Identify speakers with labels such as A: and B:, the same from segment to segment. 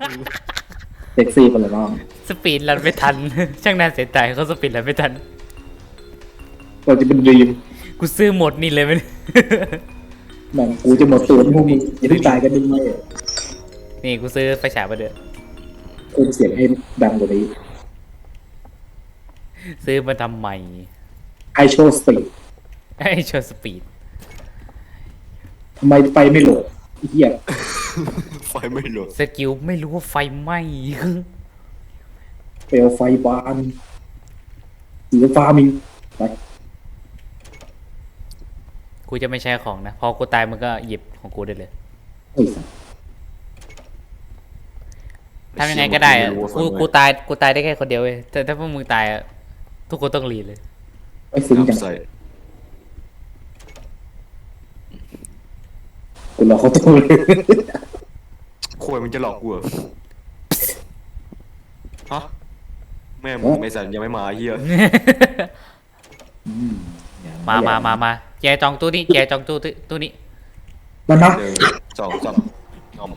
A: เซ็กซี่ไปเลยน้อง
B: สปีดรันไม่ทัน ช่างน่าเสียดายเขาสปีดรันไม่ทัน
A: เราจะเป็นดีม
B: กูซื้อหมดนี่เลยมัน
A: แม่งกูจะหมดตัวพวกมึงอย่าเพิ่งตายกันดิไหม
B: นี่กูซื้อไฟฉายมาเด้อ
A: เพิ่มเสียงให้ดังกว่านี้
B: ซื้อมาทำใหม่
A: ไอโชว์สปีด
B: ไอ้โชว์สปีด
A: ทำไมไฟไม่โหลดไอ้เหี้ย
C: ไฟไม่โหลด
B: สกิลไม่รู้ว่าไฟไหม้
A: เปลวไฟบานสีฟ้ามีไป
B: กูจะไม่ใช้ของนะ พอกูตายมันก็หยิบของกูได้เลย
A: เฮ้ยสัส
B: ทำยังไงก็ได้อะกูตายได้แค่คนเดียวเว้ยแต่ถ้าพวกมึงตายอะทุกคนต้องรีเลย
A: ไม่ซึ้งจัง
C: ใส่
A: กูรอเขาตัวเลย
C: โคยมันจะหลอกกูเหรอฮะแม่มึงไม่สันยังไม่มาไอ้เฮีย
B: มาแจจองตู้นี้แจจองตู้นี้
A: มันนะ
C: 1 2 3งอม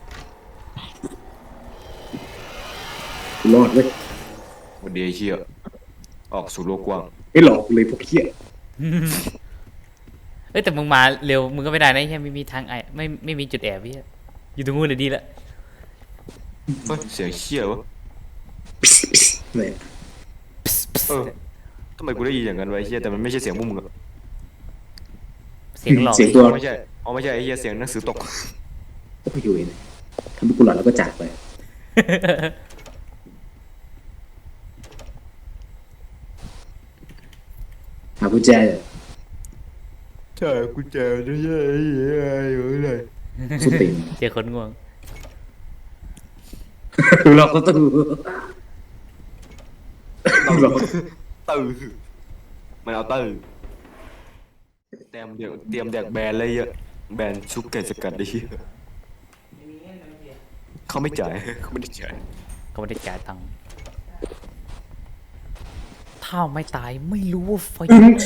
A: กูรอดเว้ย
C: วันเดียเฮียออกสู่โลกกว้าง
A: ไม่หลอกเลยพวกเหี้ย
B: เอ้ยแต่มึงมาเร็วมึงก็ไม่ได้นะใช่ไม่มีทางไม่มีจุดแอบพี่อยู่ตรงนู้นเลยดีละ
C: เฮ้ยเสียงเฮียวะ
A: เนี่ย
C: ทำไมกูได้ยินอย่างนั้นวะไอ้เฮียแต่มันไม่ใช่เสียงพวกมึงอะ
B: เสียงหลอก
A: เสียงตัว
C: ไม่ใช่ไม่ใช่ไอ้เฮียเสียงหนังสือตก
A: ก็ไปอยู่เองทำให้กูหลอนแล้วก็จากไปหากุญแจเลย
C: ใช่กูเจอไม่ใช่ไอ้เฮียอยู่ไหน
A: สุดติ่ง
B: เจอคนง่วง
A: หลอกก็ต้อง หลอก
C: ตื่นมันเอาตื่นเตรียมแดกแบนเลยอะแบนชุบไก่สกัดดิเขาไม่จ่ายเขาไม่ได้จ่าย
B: ก็ไม่ได้จ่ายตังค์ถ้าไม่ตายไม่รู้ว่าไฟ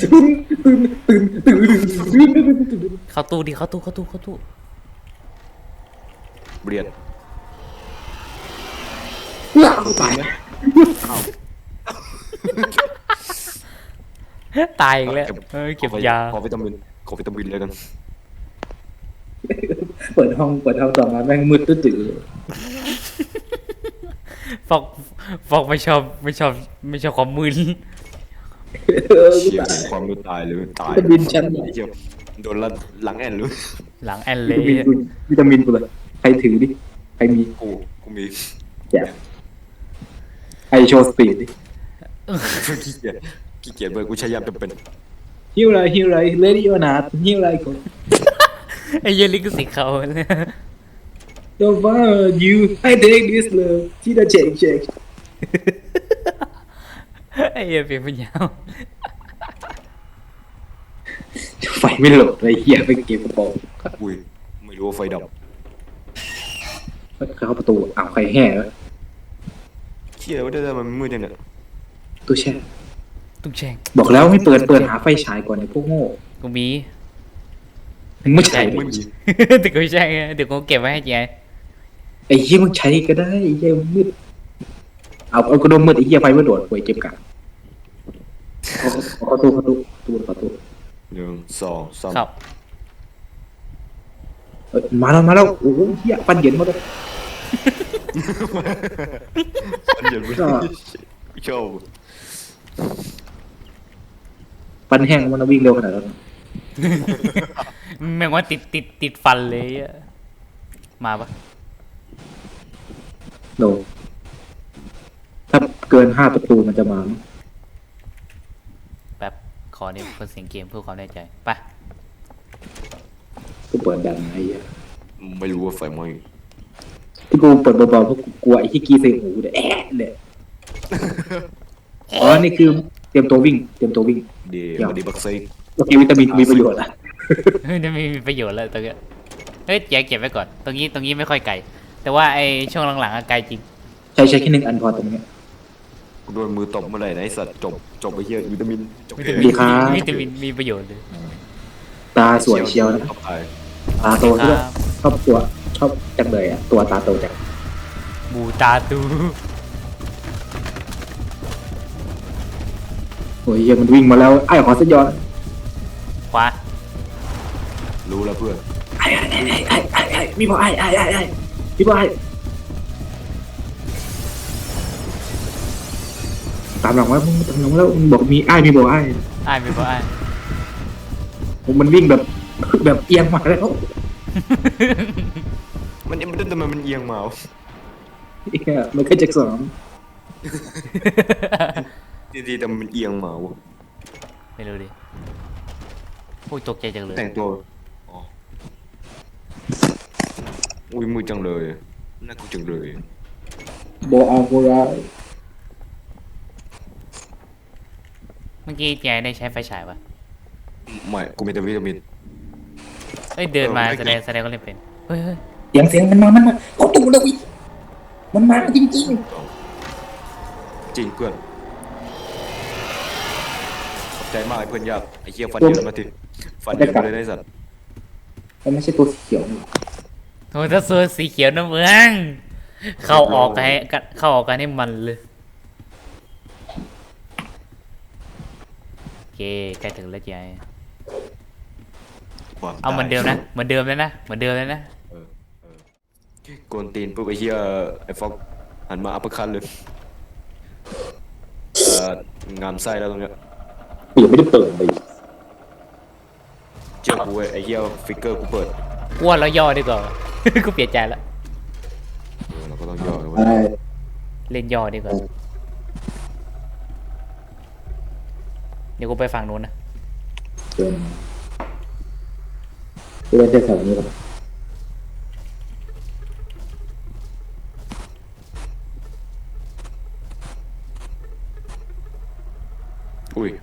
B: เข้าตู้ดิเข้าตู้
C: เบียด
A: ตาย
B: ตายอีกแล้วเก็บยา
C: ขอวิตามินเลยกัน
A: เปิดห้องต่อมาแม่งมืดตื้อ
B: ฟอกไม่ชอบความมึน
C: เชี่ยความรู้ตายเลยตาย
A: วิตามินชั้น
C: ไอ้เหี้ยโดนหลังแอนเลย
B: หลังแอนเล
A: วิตามินกูเลยใครถือดิใครมี
C: กูมี
A: แจกไอโชว์สปีดดิ
C: ขี้เกียจเบอร์กูใช้ยามจำเป็น
A: ฮิวไรเลดี้อนาฮิวไรก่อน
B: ไอ้เหี้ยลิกสิเขา
A: โดว่ายูไอเด็กดิสเลยที่จะเช็ค
B: ไอ้เหี้ยเปลี่ยนปัญญา
A: ไฟไม่โหลดไอ้เหี้ยไปเก็บกระป๋อง
C: อุ้ยไม่รู้ว่าไฟดับ
A: เข้าประตูอ้าวใครแห่แล้ว
C: เชี่ยว่าได้มันมืดจังเนี่ย
A: ตู้แช่
B: ตุ้งแช่ง
A: บอกแล้วให้เปิดหาไฟฉายก่อนไอ้พวกโง่
B: กูมี
A: มึงไม่ใช่
C: ไม่มี
B: แต่กูไม่ใช่ไงเดี๋ยวกูเก็บไว้ให้เจ๊
A: ไอ้เหี้ยมึงใช้ก็ได้ไอ้เหี้ยมืดเอากระดมมืดไอ้เหี้ยไฟไม่โดดป่วยเก็บกันเข้าตู้
C: 1 2 3
B: ครับ
A: มาแล้วโอ้โหเหี้ยปันเย็นมาแล้ว
C: อันเดียวไม่ชอบ
A: ปันแห้งมันวิ่งเร็วขนาดนั้น
B: แม่งว่าติดฟันเลยอะมาปะ
A: โนถ้าเกิน5ประตูมันจะมา
B: แบบขอเนี่ยเพิ่มเสียงเกมเพื่อความแน่ใจไป
A: กูเปิดดังไอ้เหี้ย
C: ไม่รู้ว่าไฟไหม้
A: ที่กูเปิดเบาๆเพราะกูกลัวไอ้ที่กีใส่หูเนี่ยเลยอ๋อนี่คือเตรียมตัววิ่ง
C: เดี๋ยวมาดีบักซี
A: โอเควิตามินมีประโยชน์อ่ะ
B: เฮ้ยนี่มีประโยชน์แล้วตรงเนี้ยเฮ้ยแจ๊เก็บไว้ก่อนตรงนี้ไม่ค่อยไกลแต่ว่าไอ้ช่วงหลังๆอะไกลจริง
A: ใช้แค่1 อันพอตรงเนี้ย
C: กูโดนมือตบเมื่อไหร่นะไอ้สัตว์จบไปเฮียวิตามินจบ
B: วิ
C: เก
B: ตาม มิ
A: ดี
B: น
A: ครับ
B: วิตามินมีประโยชน์เลย
A: ตาสวยเชียวนะ
C: เข้าไป
A: ตาโต
B: ครั
A: ด้วย
B: บ
A: ชอบจังเลยอ่ะตัวตาโตจัง
B: บูตาตู
A: โอ้ยเหี้ยมันวิ่งมาแล้วไอ้ขอสัญญาณ
B: ขวา
C: รู้แล้วเพื่อน
A: ไอ้มีบ่ไอ้มีบ่ไอ้ตามหลังไว้มึงตามหลังแล้วมึงบอกมีไอ้มีบ่ไอ้
B: อ้ายไม่พออ้าย
A: มันวิ่งแบบแบบเอียงมาแล้ว
C: มันทำไมมันเอียงมาวะ
A: เหี้ยมันก็จะสอง
C: ดีๆแต่มันเอียงมาวะ
B: ไม่รู้ดิโอ้ยตกใจจังเลย
C: แต่งตัวอ๋ออุ้ยมือจังเลยน่ากลัวจังเลย
A: บ่เอาบ่ได้
B: เมื่อกี้แกได้ใช้ไฟฉายปะ
C: ไม่กูมีแต่วิตามิน
B: เอ้ยเดินมา
C: ไม่
B: แสดงก็เล่นเป็นเฮ้ย
A: เสียงมันมาเขาตู่แล้วอีกมันมาจริง
C: จริงเพื่อนขอบใจมากไอ้เพื่อนยากไอ้เหี้ยฟันเยอะมาทีฟันเยอะมาเลยได้สัตว์
A: ๆมันไม่ใช่ตัวสีเขียวนี่
B: โอ้ยถ้าโซนสีเขียวนะเมืองเข้าออกกันให้มันเลยโอเคใกล้ถึงแล้วยาย
C: ความ
B: เอาเหมือนเดิมนะเหมือนเดิมเลยนะ
C: โกนตีนปุ๊บไอ้เหี้ยไอ้ฟอกหันมาอัปเปอร์คัทเลยงามไส้แล้วตรงเนี้ย
A: ยังไม่ได้เปิดเลย
C: เชื่อกูเว้ยไอ้เหี้ยฟิกเกอร์กูเปิด
B: อ้วนแล้วย่อดีกว่า กูเปลี่ยนใจแล้ว
C: เราก็ต้องย่อกัน
A: ใช่
B: เล่นย่อดีกว่าเดี๋ยวกูไปฝั่งนู้นนะ
A: เล่นได้แถวนี้ก่อน
C: อุ้ย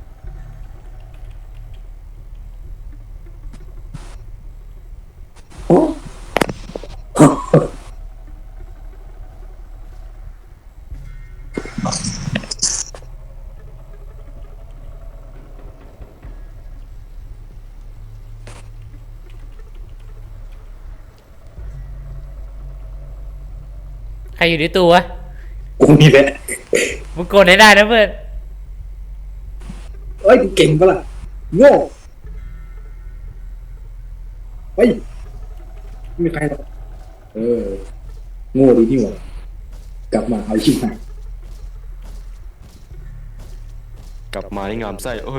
A: โอ้
B: ใครอยู่ในตู้วะ
A: กูนี่แหละ
B: มึงโกนให้ได้นะเพื่อน
A: เอ้ยกูเก่งปะล่ะโง่เฮ้ยไม่มีใครหรอกโง่ดีนี่หว่ากลับมาเอาชิบหาย
C: กลับมานี่งามไส้
A: ห
C: เออ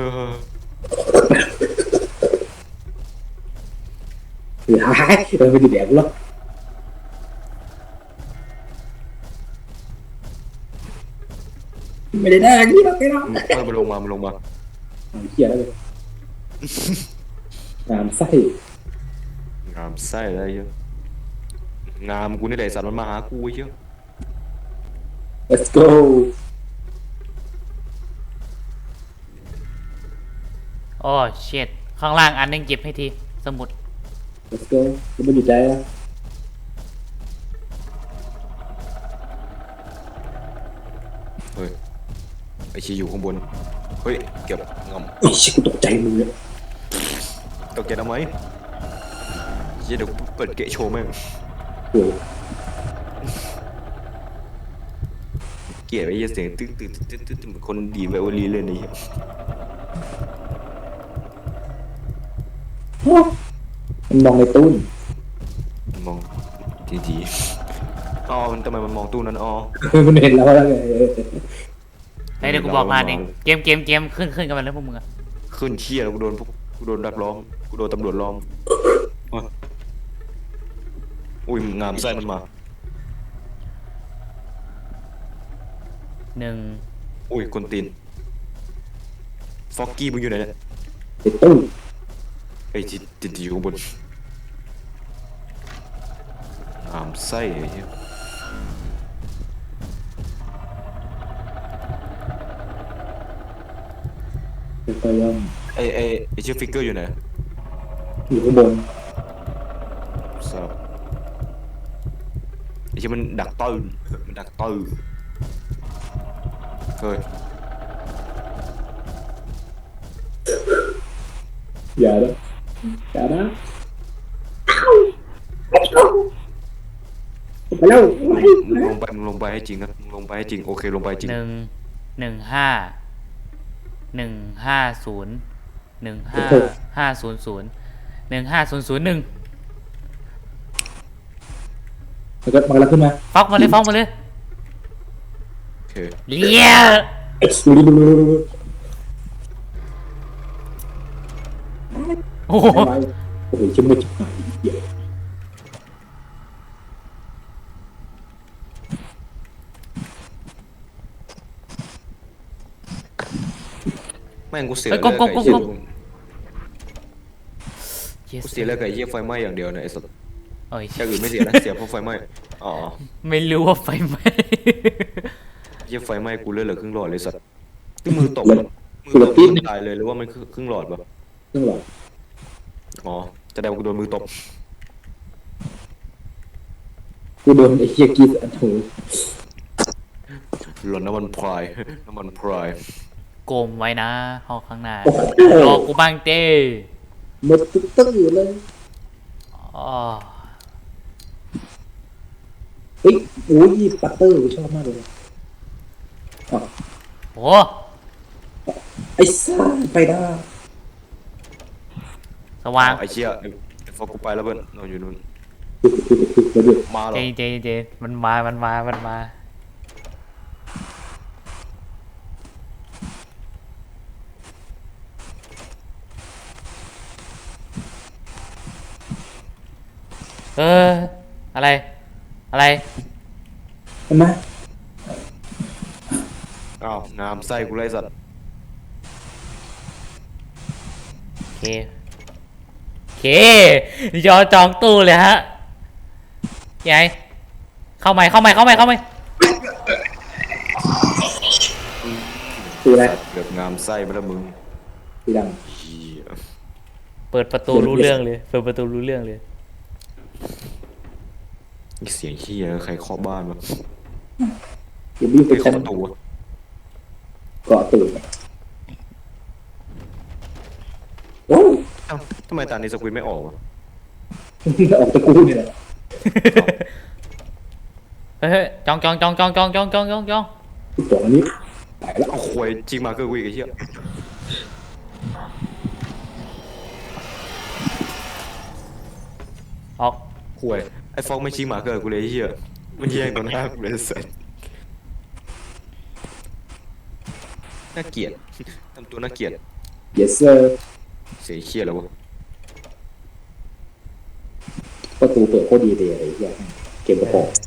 A: รือหายไม่ได้แดกหรอกไม่ได้แดกนี่หรอกไอ้น้อง
C: มันลงมา
A: เอาเหี้ยแล้วเลยงามไส้
C: งามไส้อะไรเยอะงามกูนี่แหละสัตว์มันมาหากูเยอะ
A: let's go
B: โอ้เช็ดข้างล่างอันนึงเก็บให้ทีสมุด
A: let's go จะไม่หยุดใจแล้ว
C: เฮ้ยไอชีอยู่ข้างบนเฮ้ยเก็บงำ
A: ไอ้ชิกูตกใจมึงเลย
C: ตกใจทำไมเดี๋ยวเปิดเกะโชว์แม่ง
A: โอ้ย
C: เกลียดไอ้เหี้ยเสียงตึ๊ดเหมือนคนดีไวโอลินเลยนี่
A: มันมองในตู้น
C: มองทีอ๋อมันทำไมมันมองตู้นั้นอ๋อ
A: มันเห็นแล้วแล้วไง
B: เฮ้ยเดี๋ยวกูบอกพลาดเองเกมขึ้นกันมาแล้วพวกมึงอะ
C: ขึ้นเชี่ยแล้วกูโดนดักล้อมกูโดนตำรวจล้อมอุ้ยงามไส้มันมา
B: 1
C: อุ้ยคนตีนฟอกกี้มึงอยู่ไหนเนี่ย
A: ในตู้
C: ไอ้ที่อยู่ข้างบนงามไส้ไอ้เหี้ย
A: ไปยัง
C: ไอ้ชื่อฟิกเกอร์อยู่ไหน
A: อยู่ข้างบน
C: ทราบไอ้ชื่อมันดักตื้นมันดักตื้นเฮ้ย
A: อย่านะอย่านะไปแล้ว
C: มึงลงไปให้จริงนะมึงลงไปให้จริงโอเคลงไปจริง
B: 115 150 150 15001
A: มันก็ขึ้นมา
B: ฟอกมาเลยฟอกมาเลย
C: โอเค
B: เลี้ย โอ้โห
A: โอ้โหชิมมืดชิบหายเหี้ย
C: แม่งกูเสีย
B: เฮ้
C: เลื
B: ย
C: อด
B: ก้
C: กับ
B: ม
C: ไอ้
B: ๆๆ
C: เหี้ย
B: Yes
C: กูเสียเลือดกับไอ้เหี้ยไฟไหม้อย่างเดียวนะไอ้สัตว์
B: เอ้ย
C: อย่างอื่นไม่เสียนะเสียเพราะไฟไหม้อ๋อ
B: ไม่รู้ว่าไฟไหม้
C: เหี้ยไฟไหม้กูเลือดเหลือครึ่งหลอดเลยสัตว์ที่มือตกตายเลยหรือว่ามันครึ่งหลอดปะ
A: ซึ่งหรอ
C: อ๋อแสดงว่ากูโดนมือตบ
A: กูโดนไอ้เหี้ยกีสอันถู
C: หล่นน้ำมันพรายน้ำมันพราย
B: โกมไว้นะห้องข้างหน้า
A: โอ้โห
B: รอกูบ้างเต้
A: หมดตึ้งอยู่เลย
B: อ๋อ
A: เฮ้ยโอ้ยปัตเตอร์กูชอบมากเลยอ๋อ
B: โห
A: ไอ้ซ่าไปได้
B: สว่าง
C: ไอ้เชี่ยไอ้ฟอกกูไปแล้วเพื่อนนอนอยู่นู่น
A: แล้วเดี๋ยว
C: มาหรอ
B: เจมันมาอะไร
A: เห็นไหม
C: อ้าวงามไส้กูไล่สัตว์
B: โอเคยอจองตู้เลยฮะยายเข้าใหม่
A: คืออะไร
C: เกือบงามไส้ไปแล้วมึง
A: สีด
C: เหี้ย
B: เปิดประตูรู้เรื่องเลย
C: นี่เสียงเหี้ยใครเคาะบ้านวะ
A: ำอย่าบิ้วไป
C: ไป
A: ชั้
C: เคาะ
A: น
C: ประตูวะ
A: เกาะตื่นโอ้ย
C: เอ้าทำไมตานี้สควิตไม่ออกวะ
A: ออกตะกูเนี่ยแหละ
B: เฮ้ยจอง
A: ตัวอันนี้ไปแล้ว
C: เอาควยจริงมาเกอร์กูอีกไอ้เหี้ย
B: ออก
C: ควยไอ้ฟอกไม่ชี้มาเกอร์กูเลยไอ้เหี้ยมันแย่งตรงหน้ากูเลยสัสน่าเกลียดทำตัวน่าเกลียด
A: yes sir
C: เสียเหี้ยแล้ววะ
A: ประตูเปิดโคตรดีเลยไอ้เหี้ยเกมกระป๋อง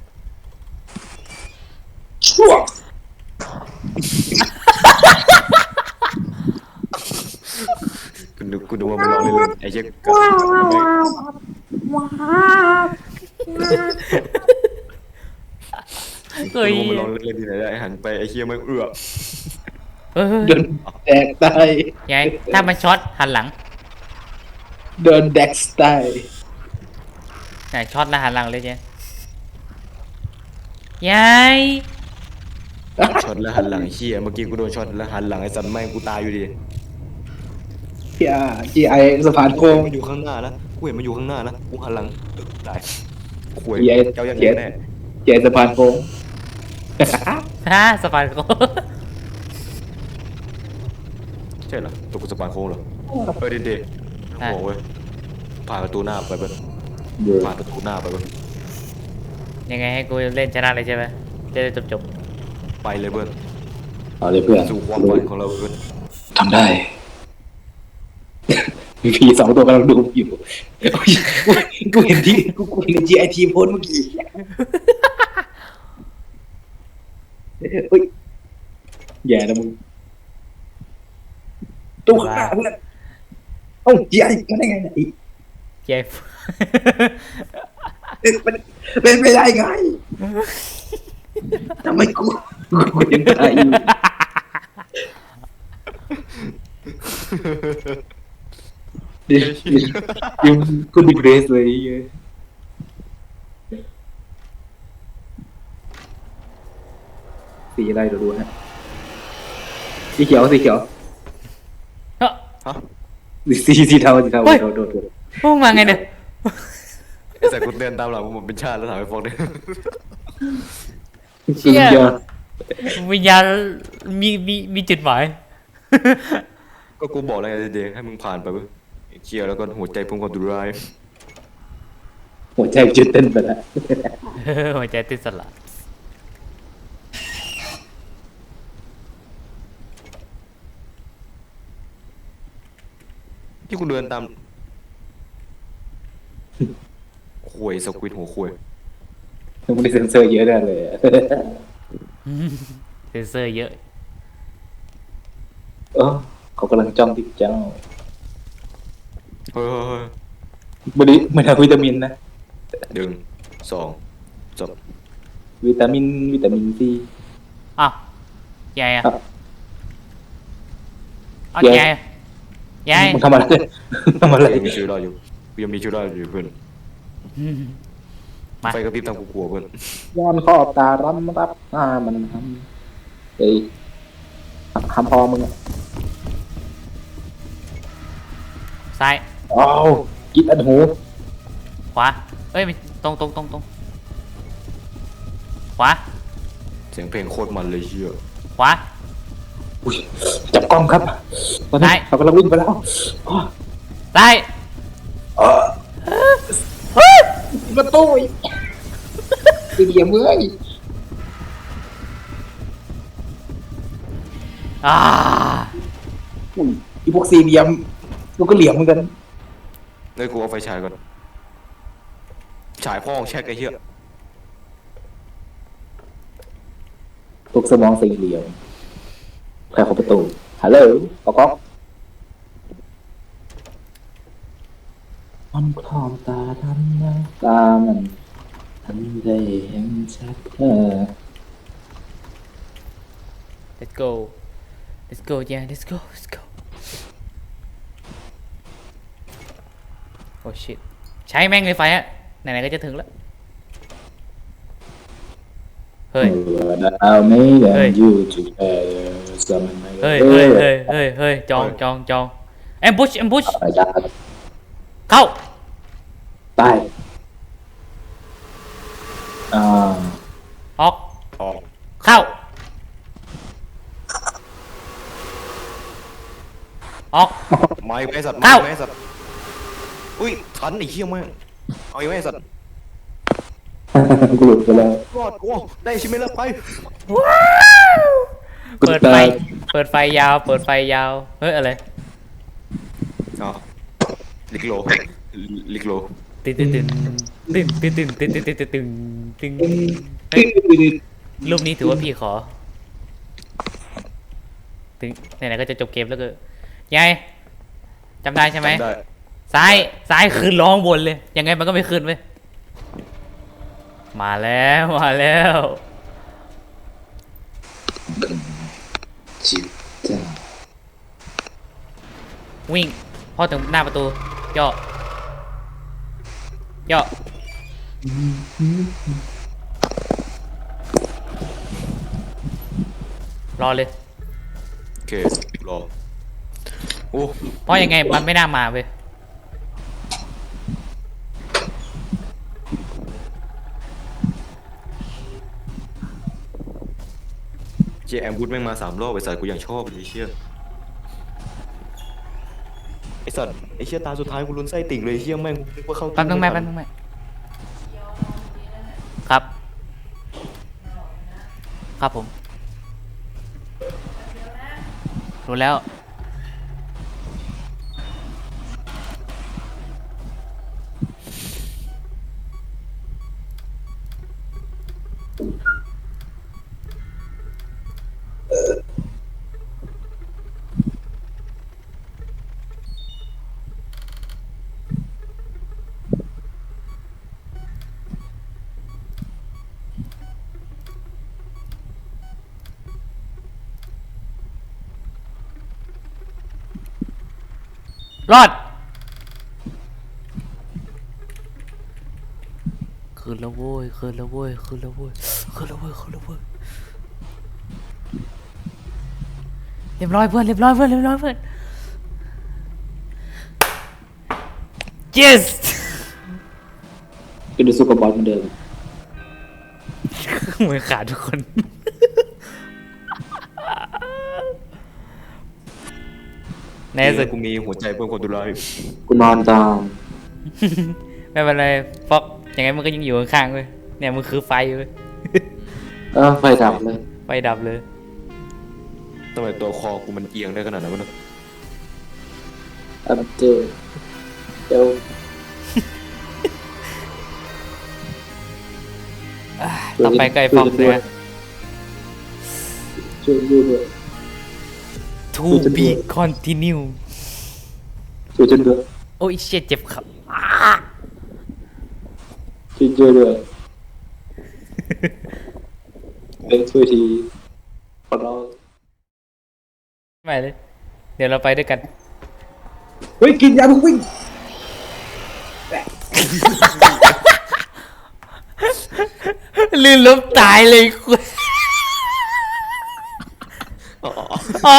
A: ชั่ว
C: กูนึกว่ามันร้องเล่นๆไอ้เหี้ยกัดกู
B: เฮ้ย
C: นึกว่ามันร้องเล่นๆที่ไหนได้หันไปไอ้เหี้ยไม่เอื้อ
A: โดนแดกตาย
B: ยายถ้ามันช็อตหันหลัง
A: โดนแดกตาย
B: ไหนช็อตแล้วหันหลังเลยเจ๊ยาย
C: ช็อตแล้วหันหลังไอ้เหี้ยเมื่อกี้กูโดนช็อตแล้วหันหลังไอ้สัตว์แม่งกูตายอยู่ดี
A: GI สะพานโค้ง
C: มันอยู่ข้างหน้าแล้วกูเห็นมันอยู่ข้างหน้าแล้วกูหันหลังตายควย
A: GI
C: เจ้าอย่าง
A: GI
C: แน่
A: GI สะพานโค้ง
B: ฮะสะพานโค้ง
C: ใช่เหรอตัวกูสปานโค้งเหรอเด็ดโอ้โหเว้ยผ่านประตูหน้าไปเบิ้ล
A: เดี๋ยว
C: ผ่านประตูหน้าไปเบิ้ล
B: ยังไงให้กูเล่นชนะเลยใช่ไหมจะได้จบ
C: ไปเลยเบิ้ล
A: เอาเลยเพื่อน
C: สู่ความฝันของเราเบิ้ล
A: ทำได้ มีผีสองตัวกำลังดูอยู่กูเห็นที่กูเห็น GI ทีโพสเมื่อกี้เฮ้ยแย่นะมึงตู้ข้างหน้าเพื่อนเอ้า GI มาได้ไงเนี่ย
B: เจ็บ
A: เป็นไปได้ไงทำไมกูยังตายอยู่ยังกูดิเกรสเลยสีอะไรเดี๋ยวดูฮะสีเขียว
B: เฮ้ย
C: ฮะ
A: สีเทาโดน
B: พวกมาไงเนี่ย
C: ไอ้แต่กูเดินตามหลังผมเป็นชาติแล้วถามไอ้ฟอกเนี่ย
B: เชี่ย
A: เดียว
B: วิญญาณมีจุดหมาย
C: ก็กูบอกแล้วไงเด็กให้มึงผ่านไปเว้ยเคลียร์แล้วก็หัวใจพุ่งความดุร้าย
A: หัวใจจุดเต้นไปแล้ว
B: หัวใจติดสละ
C: ที่กูเดินตามควยสควิดหัวควย
A: มันได้เซ็นเซอร์เยอะแน่เลย
B: เซนเซอร์เยอะ
A: เออเขากำลังจ้องที่เจ้า
C: เฮ้ย
A: บริไม่ทำวิตามินนะ
C: หนึ่งสองจบ
A: วิตามินซี
B: อ้าวยัยอ่ะ
A: ครับ
B: อ้าว
A: ยัย
B: ยัย
A: มึงทำอะไรทำอะไร
C: ยังมีชีวิตรอดอยู่กูยังมีชีวิตรอดอยู่เพื่อน
B: มา
C: ไฟกระพริบทำกูกลัวเพื่อน
A: ย้อนขอบตารำรับมันทำเฮ้ยทำพอมึงอ่ะ
B: ซ้าย
A: อ้าวกินอันหู
B: ขวาเอ้ยไม่ตรงขวา
C: เสียงเพลงโคตรมันเลยเชี่ย
B: ขวา
A: อุ้ยจับกล้องครับตอนนี้
B: ได้
A: เขากำลังวิ่งไปแล้วอ้อ
B: ซ้าย
A: ประตูอีกสี่เหลี่ยมเว้ย
B: อ่า
A: อุ้ยอีพวกสี่เหลี่ยมมันก็เหลี่ยมเหมือนกัน
C: เลยกูเอาไฟฉายก่อนฉายพ่อของแช่ไอ้เหี้ย
A: พวกสมองสี่เหลี่ยมใครเข้าประตูฮัลโหลก๊อกมันคลองตาทำนะตามันทำได้เห็นชัด
B: let's go let's go yeah let's go let's go โอ้ shit ใช้แม่งเลยไฟอะไหนๆก็จะถึงแล้ว เฮ้ย
A: ดาวไม่ได้
B: เฮ้ย
A: อยู่จุดเอสมันไม่
B: เฮ้ยเฮ้ยจองแอมบุช
A: อาจารย์
B: เข้า
A: ตายอ่า
B: ออก
C: ออก
B: เข้า ออก
C: ไม้ไม้สัตว์
B: เอ้า
C: ไม้สัตว์อุ้ยทันไอ้เหี้ยแม่งเอาไอ้ไม้สัตว์
A: กูหลุดไปแล้ว
C: รอดโอ้ได้ชิมไม่ละไป
B: เปิดไฟ เปิดไฟยาว เปิดไฟยาว เฮ้ย อะไร
C: อ๋อลิกโลลิกโล
B: ตึ้งตึ้งตึ้งตึ้งตึ้งตึ้งตึ้งตึ้งตึ้งตึ้งตึ้งเฮ้ยรูปนี้ถือว่าพี่ขอ ถึงไหนๆก็จะจบเกมแล้วก็ยายจำได้ใช่ไหม
C: จำได้
B: ซ้ายคืนร้องบนเลย ยังไงมันก็ไม่คืนเว้ยมาแล้ว
A: จิบจ้า
B: วิ่งพอถึงหน้าประตูย่อรอเลย
C: โอเครอโอ้
B: เพราะยังไงมันไม่น่ามาเว้ย
C: เจแอมบูดแม่งมา3 รอบไอ้สัตว์กูยังชอบเลยไอ้เชี่ยไอ้สัตว์ไอ้เชี่ยตาสุดท้ายกูลุ้นไส้ติ่งเลยไอ้เชี่ยแม่งนึกว่าเข้า
B: แป๊บนึงแม่ครับ ครับผมรู้แล้วรอดคืนแล้วโว้ยเรียบร้อยเพื่อน yes
A: เก็ดูสู้กับบอสเหมือนเดิม
B: มือขาดทุกคน ในที่สุด
C: กูมีหัวใจเพิ่มความดุร้าย
A: กูนอนตาม
B: ไม่เป็นไรฟอกยังไงมันก็ยังอยู่ข้างๆเว้ยเนี่ยมันคือไฟเว้ย
A: ไฟดับเลย
B: ไฟดับเลย
C: ทำไมตัวคอกูมันเอียงได้ขนาดนั้นวะเนี่ย
A: เจอเดี๋ยว
B: ต่อไปไกลฟอกเลย
A: ช่วยดูด้วย
B: To be continue
A: ช่วยฉันด้วย
B: โอ้ยเชี่ยเจ็บครับ
A: ช่วยด้วยช่วยทีขอร้อง
B: ไม่เลย เดี๋ยวเราไปด้วยกัน
A: เฮ้ยกินยาเพิ่งวิ่ง
B: ลื่นล้มตายเลยคุณ
C: อ๋อ
B: อ๋อ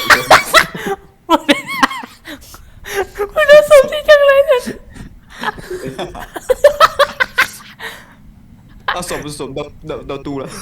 B: มันน่าสนใจจังเลยเนี่ย
C: เอาสมดาวตูละ